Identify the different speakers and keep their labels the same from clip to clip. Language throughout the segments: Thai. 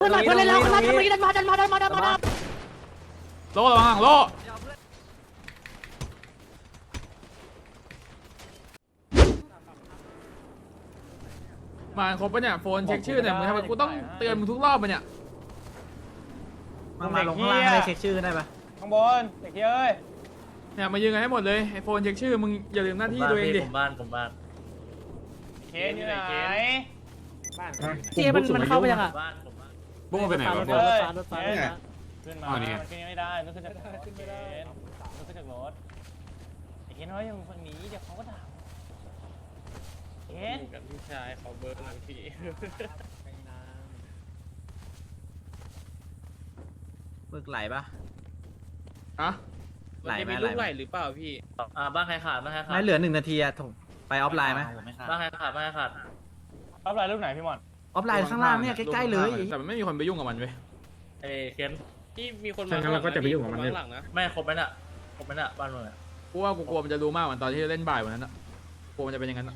Speaker 1: เพื่อนเล่นแล้วเพื่อนเล่นมาดันมา
Speaker 2: โล่ระวังโล่มาครบปะเนี่ยโฟนเช็คชื่อเนี่ยมึงทำไมกูต้องเตือนมึงทุกรอบปะเนี่ย
Speaker 3: มาลงข้างล่างให้เช็คชื่อได้ปะ
Speaker 4: ข้างบนเด็กเอ้ย
Speaker 2: เนี่ยมายืนกันให้หมดเลยไอโฟนเช็คชื่อมึงอย่าลืมหน้าที่ตัวเองดิ
Speaker 3: ผมบ้าน
Speaker 4: เคสอยู่ไหนบ้าน
Speaker 1: เจ๊มันเข้าไปยังอ่ะ
Speaker 3: บ้าน
Speaker 5: บุ้งไปไหนวะ
Speaker 4: เฮ้ย
Speaker 1: รถไฟ
Speaker 4: ขึ้นมา
Speaker 5: อ๋อนี่ไง
Speaker 4: ขึ้นไม่ได้ต้องขึ้นจากรถขึ้นไม่ได้ต้องขึ้นจากรถไอ้เคสน้อยยังฝั่งนี้เดี๋ยวเขาก็ด่าเคส
Speaker 6: กับพี่ชายเขาเบิร์กหลังพี่
Speaker 3: มึกไหลปะ
Speaker 2: อะ
Speaker 3: ไหลไหม
Speaker 6: นจะลูกไหลหรือเปล่าพี่
Speaker 3: บ้านใครขาดไม่เหลือ1 นาทีอะถงไปออฟไลน์ไหม
Speaker 6: บ้านใครขาดบ้านใครขาด
Speaker 4: รับรายรูปไหนพี่มอน
Speaker 3: ออฟไลน์ข้างล่างเนี่ยใกล้ๆเลย
Speaker 2: แต่มันไม่มีคนไปยุ่งกับมันเว้ย
Speaker 6: เคนพี่มีคน
Speaker 5: ใช่งั้นเราก็จะไปยุ่งกับมัน
Speaker 6: ข้างหลังนะ
Speaker 3: ไม่ครบไหมน่ะบ้านมึงอะ
Speaker 2: กูว่ากูกลัวมันจะรู้มากเหมือนตอนที่เล่นบ่ายวันนั้นอะกลัวมันจะเป็นอย่างนั้นอะ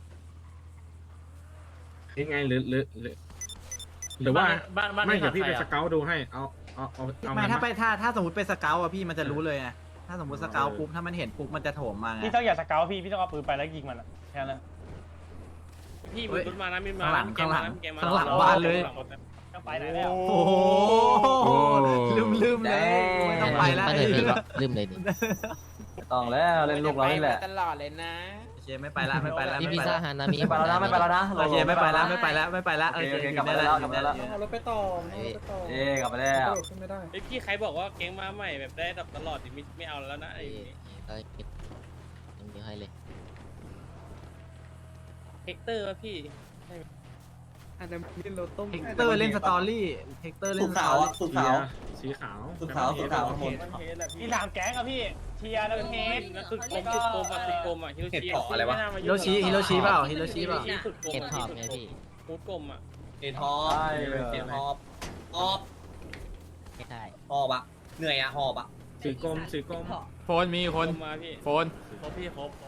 Speaker 5: ยังไงหรือว่าไม่เดี๋ยวพี่ไปสเกลดูให้เอา
Speaker 3: ไม่ถ้าสมมติเป็นสเกลอะพี่มันจะรู้เลยไงถ้าสมมติสเกลปุ๊บถ้ามันเห็นปุ๊บมันจะโถมมาไง
Speaker 4: พี่ต้องอย่าสเกลพี่ต้องเอาปืนไปแล้วยิงมันแค่นั้น
Speaker 6: พี่มีรถมานะมีมา
Speaker 3: ข้างหลัง
Speaker 6: เกมมาเกมมา
Speaker 3: ข้างหลังบ้านเลย
Speaker 4: ก็ไปไหนแล้ว
Speaker 3: โอ้โหลืมเลยไม่ต้องไปแล้ว
Speaker 7: ลืมเลยดิ
Speaker 8: ต้องแล้วเล่นลูกเรานี่แหละ
Speaker 6: ตลอดเลยนะ
Speaker 3: โอเคไม่ไปละไม่ไปละ
Speaker 7: พี่พิซซ่าฮานามิ
Speaker 8: ไม่ไปแล้วนะไม่ไปแล้วนะ
Speaker 3: โอเคไม่ไปละโอเค
Speaker 8: กลับมาแล้วกลับมาแล้ว
Speaker 1: เอารถไปต่อ
Speaker 8: เอ๊กลับมาแล้ว
Speaker 1: ขึ้นไม่ได้
Speaker 6: ไอพี่ใครบอกว่าเกมมาใหม่แบบได้ดับตลอดดิไม่เอาแล้วนะไอ้
Speaker 7: ก็เก็บยังเดียวให้เลย
Speaker 6: เฮกเตอร์วะพี่
Speaker 1: อันนั้นเป็นรถต้ม
Speaker 3: เฮกเตอร์เล่นสตอรี่เฮกเตอร์เล่นสตอรี่
Speaker 5: สีขาว
Speaker 8: สุดขาวหมด
Speaker 4: พี่ถามแก๊งอะพี่เทียร์แล้วเฮด
Speaker 6: สุดกลมฮิโรชิ
Speaker 3: ฮิโรชิเปล่า
Speaker 7: เก็บขอบไงพี่
Speaker 6: ฟูดกลมอ่ะ
Speaker 8: เอ็นฮอปเอ็นฮอปฮอป
Speaker 7: ไม่ได้
Speaker 8: ฮอปอะเหนื่อยอะฮอปอะ
Speaker 5: สีกลม
Speaker 2: โฟนมีคน
Speaker 6: มาพี่
Speaker 2: โฟน
Speaker 6: ครบพี่ครบ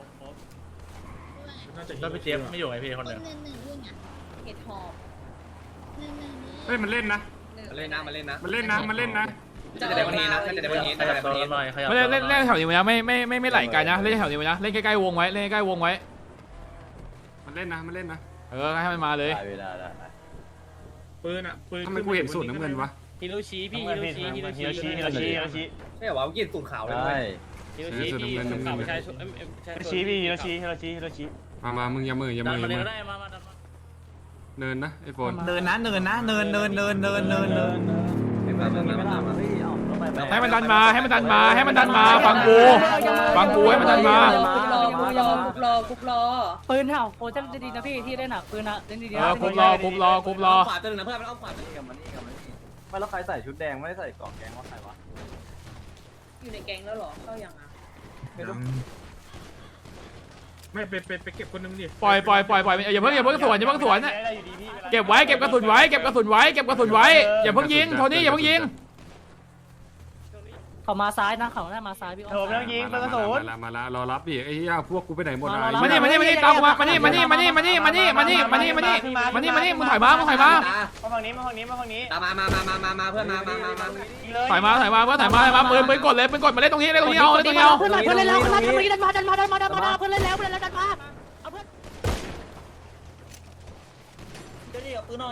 Speaker 5: ก็ไปเจี๊ยบไม่อยู่
Speaker 9: คนหนึ่งด้วยไงเห็ดหอบหนึ่ง
Speaker 5: เฮ้ยมันเล่นนะ
Speaker 8: มาเล่นนะมาเล่นนะ
Speaker 5: มันเล่นนะ
Speaker 8: จะได้วันนี้นะจะได้วันนี้จะได้วันนี้
Speaker 2: ไม่เล่นแถวนี้ไว้นะไม่ไหลไกลนะเล่นแถวนี้ไว้นะเล่นใกล้ๆวงไว้เล่นใกล้ๆวงไว้
Speaker 5: มันเล่นนะ
Speaker 2: ให้มันมาเลย
Speaker 8: ได้
Speaker 5: ปืนทำไมกูเห็นสูตรน้ำเงินวะ
Speaker 6: ฮิโรชิพี่
Speaker 4: ฮิโรชิ
Speaker 8: ไม่เหรอวะกินสูตรขาวเลย
Speaker 6: ฮิโรชิพี่ข่าวประชาชน
Speaker 4: ฮิโรชิ
Speaker 5: มามึงอย่ามือ
Speaker 6: ดันมาเลยก็ได้มา
Speaker 5: เนินนะไอโฟน
Speaker 3: เนินนะเนิน
Speaker 2: ให้มันดันมาฟังกูให้มันดันมา
Speaker 9: กุบรอ
Speaker 1: ปืนเห่าโอ้จะดีนะพี่ที่ได้หนักปืนนะเล่นดีๆ
Speaker 2: คุบรอ
Speaker 8: ขวาตัวนึงนะเพื่อนมันเอาขวาตัวนึงกับมันนี่ไม่แล้วใครใส่ชุดแดงไม่ได้ใส่กล่องแกงว่าใครวะ
Speaker 9: อยู่ในแกงแล้วหรอเข้าอย่างอ่ะ
Speaker 5: ไม่ไปเก็บคนนึงดิ
Speaker 2: ปล่อยอย่าเพิ่งสวนเก็บไว้เก็บกระสุนไว้อย่าเพิ่งยิงโทนี่อย่าเพิ่งยิง
Speaker 1: เขามาซ้ายนะเขาได้มาซ้ายพี่อ้อม
Speaker 4: ไม่ต้องยิงเป็นกระสุน
Speaker 5: มาละรอรับดิไอ้เหี้ยพวกกูไปไหนหมด
Speaker 2: มานี่ตามกูมามานี่มึงถอยมา
Speaker 4: มาฝั่งนี้
Speaker 8: ตามมาเพื่อนมา
Speaker 2: ถอยมาปืนกดเลยมาเล่นตรงนี้เอา
Speaker 1: เพื่อนเล่นแล้วดันมาเพื่อนเล่นแล้วดันมาเอาเพื่อน
Speaker 8: เดี๋ยวเอาปืนหน่อย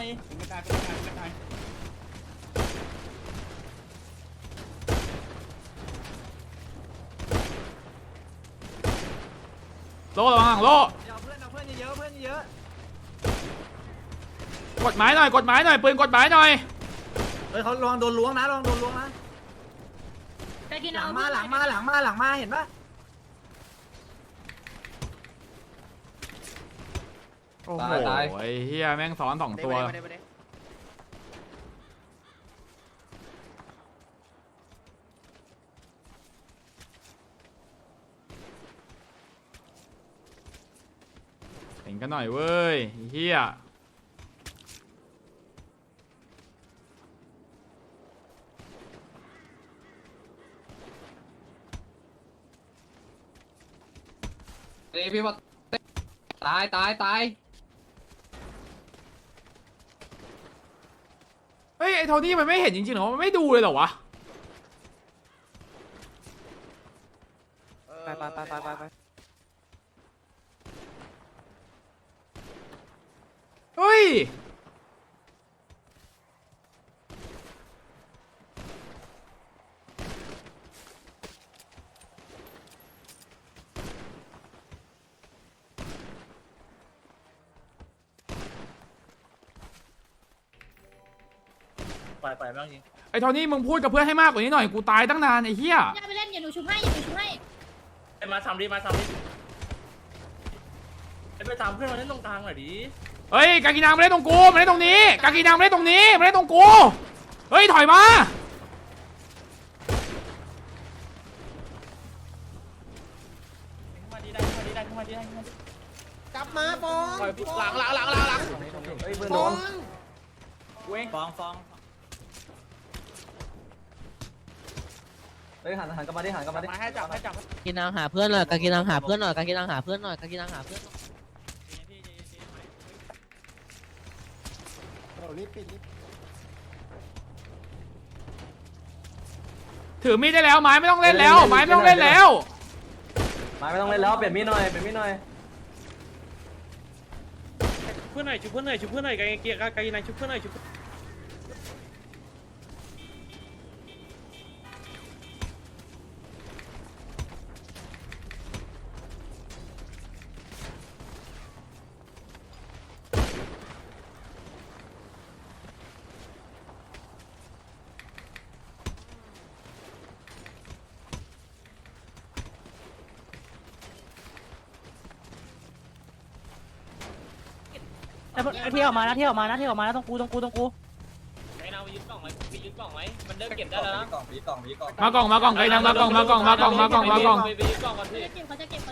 Speaker 2: โล่ระวังโล่
Speaker 3: เพื่อนเยอะ
Speaker 2: กดหมายหน่อยปืนกดหมายหน่อย
Speaker 3: เขาลองโดนล้วงนะหลังมาเห็นปะ
Speaker 2: โอ้โหไอ้เฮียแม่งซ้อน2 ตัวเห็นกันหน่อยเว้ยเฮีย
Speaker 8: พี่ว่าตาย
Speaker 2: เฮ้ยไอ้โทนี่มันไม่เห็นจริงๆเหรอมันไม่ดูเลยเหรอวะ
Speaker 3: ไป
Speaker 2: เฮ้ย
Speaker 4: ไปบ้างจริง
Speaker 2: ไอ้โทนี่มึงพูดกับเพื่อนให้มากกว่านี้หน่อยกูตายตั้งนานไอ้เหี้ย
Speaker 9: อย่าไปเล่นอย่าหนูชุบให้อย่าหนูชุบให้
Speaker 4: มาทำดิไปตามเพื่อนมาเล่นตรงกลางหน่อยดิ
Speaker 2: เฮ้ยกากินังมาเล่นตรงกูมาเล่นตรงนี้กากินังมาเล่นตรงนี้มาเล่นตรงกูเฮ้ยถอยมา
Speaker 8: เฮ้ยเพื่อนโดนฟ้องเฮ้ยหันกลับมาดิ
Speaker 4: ให้จับ
Speaker 7: กินนางหาเพื่อนหน่อยกากินนางหาเพื่อนหน่อยกากินนางหาเพื่อนหน่อยกากินนางหาเพื่อนหน่อย
Speaker 2: ถือมีดได้แล้วไม้ไม่ต้องเล่นแล้วไม้ไม่ต้องเล่นแล้ว
Speaker 8: มาไม่ต้องเล่นแล้วเปลี่ยนมีดหน่อย
Speaker 6: เพื่อนหน่อยชุบเพื่อนหน่อยชุบเพื่อนหน่อยไกลเกียร์ไกลนายชุบเพื่อนหน่อยชุบ
Speaker 1: ที่ออกมานะที่ออกมานะตรงกู
Speaker 6: ไอ้เรายึดกล่องไหมยึดกล่องไหมมันเริ่มเก็บได้แล้วนะ
Speaker 2: มากล่องไกนังมากล่อง
Speaker 6: ไปยึดกล่องก่อนพี่
Speaker 9: เขาจะเก็บ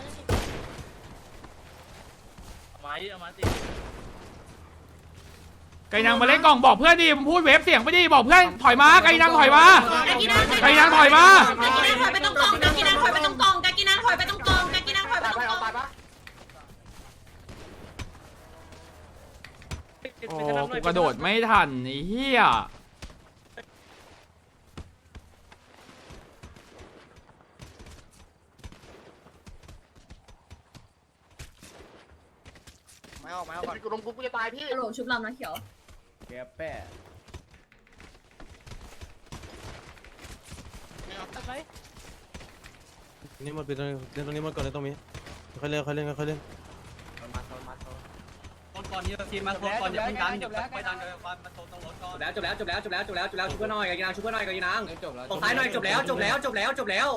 Speaker 4: เอามาสิ
Speaker 2: ไกนังมาเล่นกล่องบอกเพื่อนดิมึงพูดเวฟเสียงไปดิบอกเพื่อนถอยมาไกนังถอยมาไกนังถอยมา
Speaker 9: ถอยไปตรงกองกากินังถอยไปตรงกองกากินังถอยไปตรงกองกากินังถอยไปตรงกอง
Speaker 2: โอ้กูกระโดดไม่ทันไอ้เหี้ย
Speaker 9: ฮัลโหลชุบลำนะเขียว
Speaker 4: แกแป้
Speaker 6: นี่หมดไปตรงนี้หมดก่อนเลยตรงนี้ค่อยเล่น
Speaker 4: ก่อนอย่าเพิ่งดันไปดันมาโซนตรงรถก่อน
Speaker 3: จบแล้วชุบเพื่อนหน่อยกากินังชุบเพื่อนหน่อยกากินังตกท้ายหน่อยจบแล้ว
Speaker 5: กากินังจบแล้ว
Speaker 3: จบแล้ว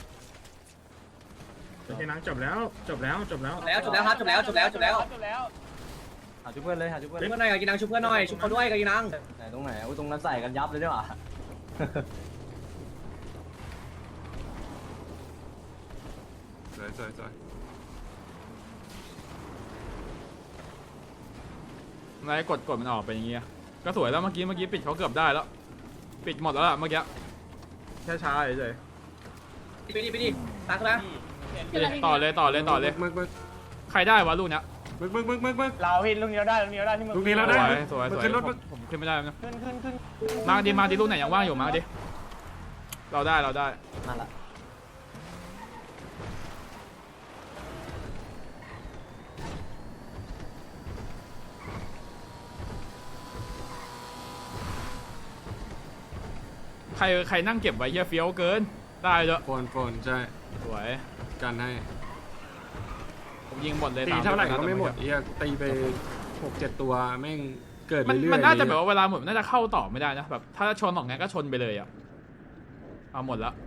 Speaker 3: หาชุบเพื่อนชุบเพื่อนหน่อยกากินังชุบเพื่อนหน่อยชุบเขาด้วยกากินังไหนตรงไหนตรงนั้นใส่กันยับเลยด้วยว่ะ
Speaker 5: สวย
Speaker 2: อะไรกดมันออกไปอย่างเงี้ยก็สวยแล้วเมื่อกี้ปิดเขาเกือบได้แล้วปิดหมดแล้วล่ะเมื่อกี้แค่ช้าเฉย
Speaker 3: ไปดิตักนะ
Speaker 2: ต่อเลยใครได้วะลูกเนี้ย
Speaker 5: มึก
Speaker 4: เราพี่ลูกนี้เราได้ที่มึง
Speaker 5: ลูกนี้เราได้
Speaker 2: สวย
Speaker 5: ขึ้นรถ
Speaker 2: ผมขึ้นไม่ได้นะ
Speaker 4: ขึ้น
Speaker 2: มาดิลูกไหนยังว่างอยู่มาดิเราได้
Speaker 3: มาละ
Speaker 2: ใครนั่งเก็บไว้เฮียเฟี้ยวเกินได้เลย
Speaker 5: โฟนใช่
Speaker 2: สวย
Speaker 5: กันให้
Speaker 2: ผมยิงหมดเลย
Speaker 5: ตีเท่าไหร่ก็ไม่หมดตีไป 6-7 ตัวแม่งเกิดเรื่อยๆ
Speaker 2: มันน่าจะแบบว่าเวลาหมดน่าจะเข้าต่อไม่ได้นะแบบถ้าชนออกงั้นก็ชนไปเลยอ่ะเอาหมดแล้ว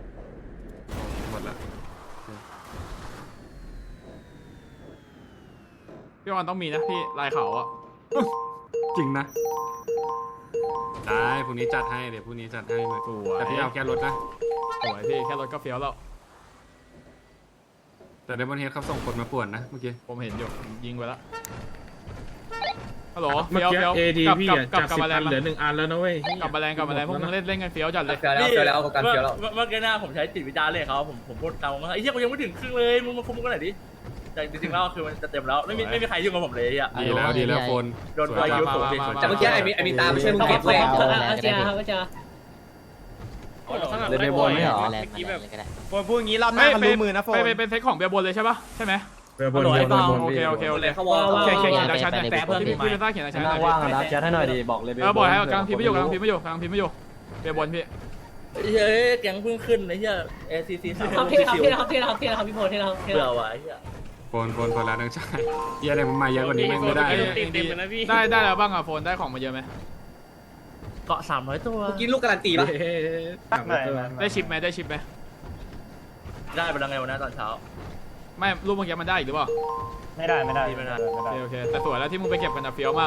Speaker 2: พี่วันต้องมีนะพี่ลายเขาอ่ะ
Speaker 5: จริงนะได้พรุ่งนี้จัดให้เดี๋ยวพรุ่งนี้จัดให้มา
Speaker 2: สวย
Speaker 5: แต่พี่เอาแค่รถนะ
Speaker 2: สวยพี่แค่รถก็เฟี้ยวแล้ว
Speaker 5: แต่เดมอนเฮดเขาส่งคนมาป่วนนะเมื่อกี้
Speaker 2: ผมเห็นอยู่ผมยิงไปแล้วฮัลโหล
Speaker 5: เมื่อ
Speaker 2: เฟี้ยว
Speaker 5: กี้
Speaker 2: เฟี้ยว
Speaker 5: AD พี่อะจาก
Speaker 2: กลับ
Speaker 5: 10
Speaker 2: มาแล้
Speaker 5: อั
Speaker 2: วน
Speaker 5: เหลือ1 อันแล้วนะเว้ย
Speaker 2: กลับมาแรงพวกมึงเล่นกันเฟี้ยวจัดเลย
Speaker 3: เฟี้ยวแล้วกันเฟี้ยวแล้ว
Speaker 4: เมื่อกี้หน้าผมใช้จิตวิจารณ์เลยเขาผมพูดตามว่าไอ้เหี้ยกูยังไม่ถึงครึ่งเลยมึงมาคุมกันหน่อยดิใจ
Speaker 8: แต่จริงๆแล้วคือมันจะเต็มแล้วไม่มีใครยุ่งกับผมเลยอ่ะ
Speaker 5: ดีแล้วคน
Speaker 8: โดนตัวยูสูง
Speaker 3: แต่เมื่อกี้ไอ้มีตาไม่ใช่มึงเก็บเลย
Speaker 7: เอาเจ้าเอาเจ้า
Speaker 3: เลยไม่บอลไม่เหรอ
Speaker 7: แลนด์มาแลนด์เลยก็ได้
Speaker 4: โฟนพูดอย่างนี้รอบหน้ามันรู้มือนะโฟน
Speaker 2: ไปเป็นเซ็ตของเบียร์บนเลยใช่ปะใช่ไหม
Speaker 5: บน
Speaker 2: โอเคโอเค
Speaker 3: เลยเขาวอล
Speaker 2: เขียนดักชันเนี่ยแต่พี่ไปสร้างเขียนดักชันหน่อย
Speaker 3: ว่างนะแชทให้หน่อยดิบอกเลย
Speaker 2: บอกให้กำลังพิมพ์ไม่อยู่กำลังพิมพ์ไม่อยู่เบียร์บนพี่
Speaker 8: เฮ้ยแก๊งเพิ่งขึ้นไอ้เหี้ย ACC 3
Speaker 7: ครับพี่โพพี่โพ
Speaker 8: เบื่อว่ะไอ้เหี้ย
Speaker 5: คนแล้วนักชายเยี่ยอะไรมันมาเยอะกว่านี้แม่งไม่ได้
Speaker 6: เต็มเลยนะพี่
Speaker 2: ได้แล้วบ้างอ่ะโฟนได้ของมาเยอะไหม
Speaker 8: เกาะ300ตัว
Speaker 3: เมื่อกี้ลูกการันตีป่ะ
Speaker 2: ได้ชิปไหม
Speaker 8: ได้ไปแล้วไงวันนั้นตอนเช้า
Speaker 2: ไม่รูปเมื่อกี้มันได้อีกหรือเปล่า
Speaker 4: ไม่ได้
Speaker 2: โอเคแต่สวยแล้วที่มึงไปเก็บกันอะเฟี้ยวมาก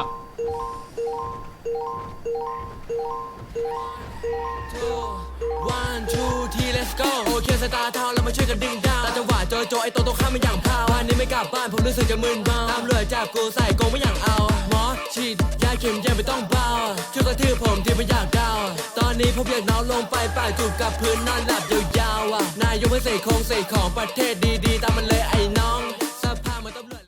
Speaker 10: 1 2 3 let's go โอเคสตาร์ทาวเรามาช่วยกันดึงดาวตาจังหวะโจไอโตโตข้ามมาอย่างพาววันนี้ไม่กลับบ้านผมรู้สึกจะมึนเมาตามเลยจับกูใส่กงไม่อย่างเอาหมอฉีดยาเข็มยังไม่ต้องเบาช่วยกระทืบผมที่ไม่อยากดาวตอนนี้ผมอยากนอนลงไปปากจูบกับพื้นนอนหลับยาวๆนายยกไม่เสกคงเสกของประเทศดีๆตาม